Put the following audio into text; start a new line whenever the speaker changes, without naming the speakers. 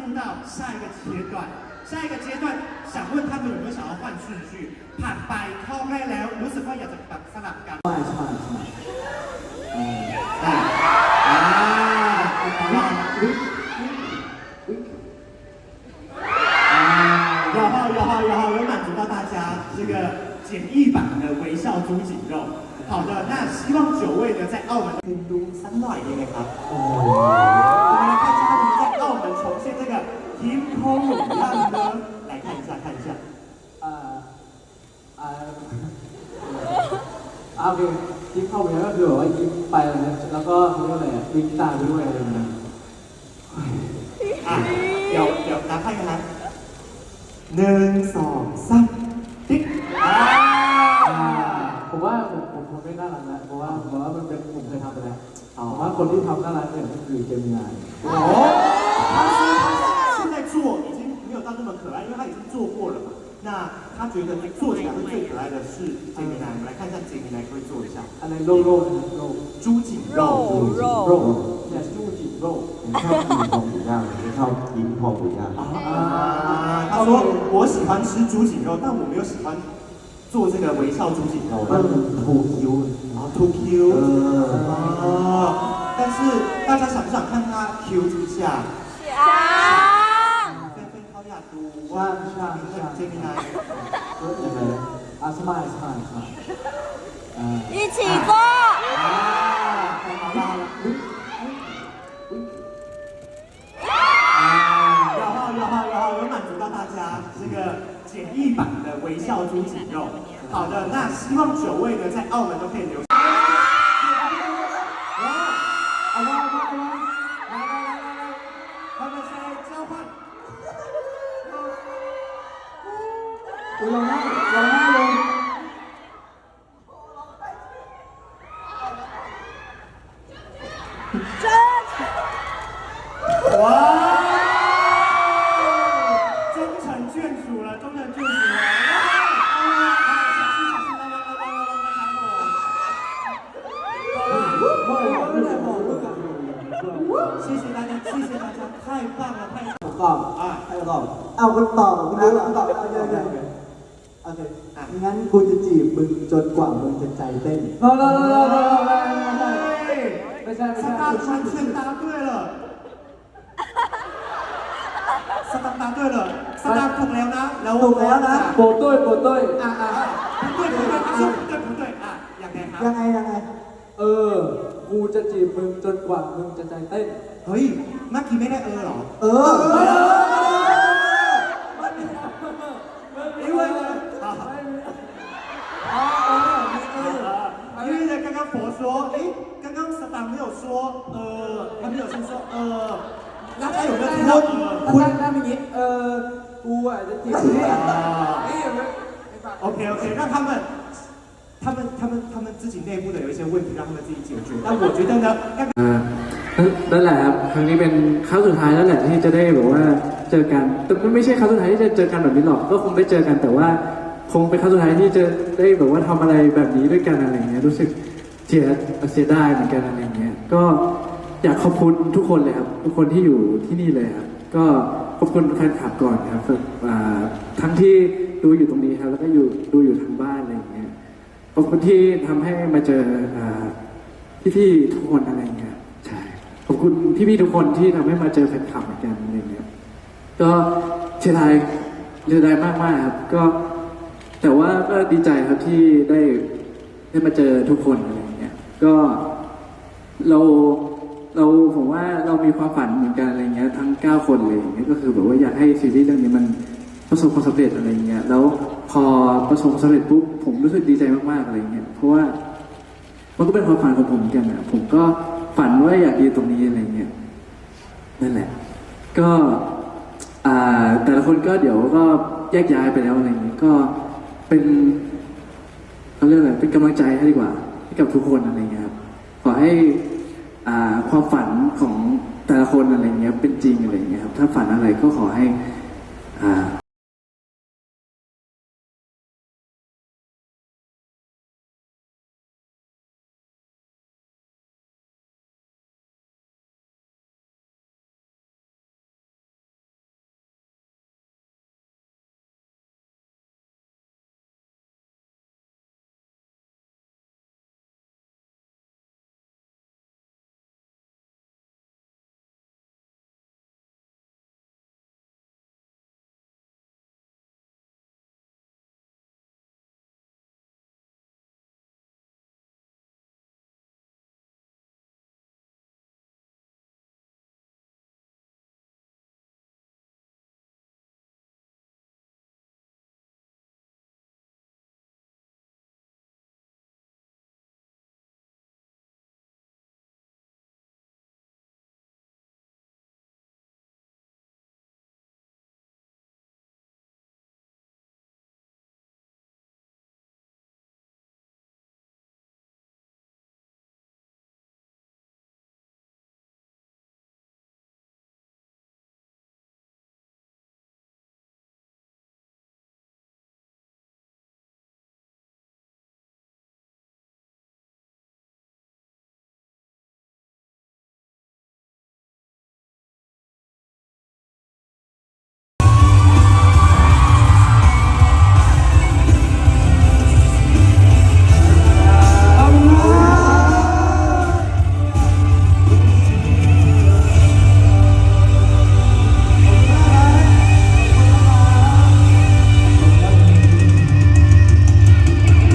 入到下一个阶段。下一个阶段想问他们有没有想要换顺序ผ่านไปข้อแรกแล้วรู้สึกว่าอยากจะแบบสลับกัน
ใช่
然后有满足到大家这个简易版的微笑猪颈肉。好的，那希望9位呢在澳门ดูสักหน่อยดีไหมครับโอ้来看一下他们在澳门重现这个ยิ้มโค้งหนุ่มย่าง呢来看一下
โอเคยิ้มเข้าไปแล้วก็คือแบบว่ายิ้มไปแล้วก็เขาเรียกอะไรวิ่งตามไปด้วยอะไรอย่างเงี้ย
เดี๋ยวนับให้กันนะ1 2 3ติ๊ก
ผมว่าผมทำไม่น่ารักนะเพราะว่ามันเป็นผมเคยทำไปแล้วผมว่าคนที่ทำน่ารักเนี่ยก็คือเจมินาย
他现在做已经没有到那么可爱，因为他已经做过了嘛。那他觉得做起来会最可爱的是杰米奈，我们来看一下杰米奈可以做一下。
อะไรโล่
猪颈肉
เนี่ย猪颈肉
你ชอบกินพองหมูย่างไม่ชอบกินพองหมูย่าง
他说我喜欢吃猪颈肉，但我没有喜欢做这个微笑猪颈肉。
มันทูคิ้ว
too Q 但是大家想不想看他 Q 之下？เขาอยากดูว่าเจมินาย
ยังไงสมัย
一起做
有满足到大家这个简易版的微笑猪颈肉。好的，那希望9位呢在澳门都可以留下。他们现在交换。
ลองหน้าลง
哇！终成眷属了，终成眷属了！谢谢大家，太棒了，太棒了！
ตอบให้ตอบเอาคุณตอบคุณตอบโอเคงั้นกูจะจีบมึงจนกว่ามึงจะใจเต้นไม่ใช่
สตาร์答对了สตาร์ถูกแล้วนะแล้ว
ถูกแล้วนะโปรตุ้ย
不对ยังไง
กูจะจีบมึงจนกว่ามึงจะใจเต้น
เฮ้ยเมื่อกี้ไม่ได้หรอ因为刚刚佛说刚刚สตาร์没有说他没有先说那他有没有听到
คุณถ้าไม่งี้กูจะจีบ
OK，让他们自己内部的有一些问题，让他们自己解决。但我觉得呢，
นั่นแหละครับครั้งนี้เป็นครั้งสุดท้ายแล้วแหละที่จะได้แบบว่าเจอกันแต่ไม่ใช่ครั้งสุดท้ายที่จะเจอกันแบบนี้หรอกก็คงได้เจอกันแต่ว่าคงเป็นครั้งสุดท้ายที่จะได้แบบว่าทำอะไรแบบนี้ด้วยกันอะไรเงี้ยรู้สึกเสียดายเหมือนกันอะไรเงี้ยก็อยากขอบคุณทุกคนเลยครับทุกคนที่อยู่ที่นี่เลยครับก็ขอบคุณแฟนคลับก่อนครับทั้งที่ดูอยู่ตรงนี้ครับแล้วก็ดูอยู่ทางบ้านอะไรอย่างเงี้ยขอบคุณที่ทำให้มาเจอพี่ๆทุกคนอะไรเงี้ยใช่ขอบคุณพี่ๆทุกคนที่ทำให้มาเจอแฟนคลับเหมือนกันอะไรเงี้ยก็เสียดายมากๆครับก็แต่ว่าก็ดีใจครับที่ได้มาเจอทุกคนอะไรเงี้ยก็ผมว่าเรามีความฝันเหมือนกันอะไรเงี้ยทั้ง9คนเลยอย่างเงี้ยก็คือแบบว่าอยากให้ซีรีส์เรื่องนี้มันประสบความสำเร็จอะไรเงี้ยแล้วพอประสบความสำเร็จปุ๊บผมรู้สึกดีใจมากๆอะไรเงี้ยเพราะว่ามันก็เป็นความฝันของผมเหมือนกันนะผมก็ฝันว่าอยากยืนตรงนี้อะไรเงี้ยนั่นแหละก็แต่ละคนก็เดี๋ยวก็แยกย้ายไปแล้วอะไรเงี้ยก็เป็นเขาเรียกอะไรเป็นกำลังใจให้ดีกว่าให้กับทุกคนอะไรเงี้ยครับขอให้ความฝันของแต่ละคนอะไรเงี้ยเป็นจริงอะไรเงี้ยครับถ้าฝันอะไรก็ขอให้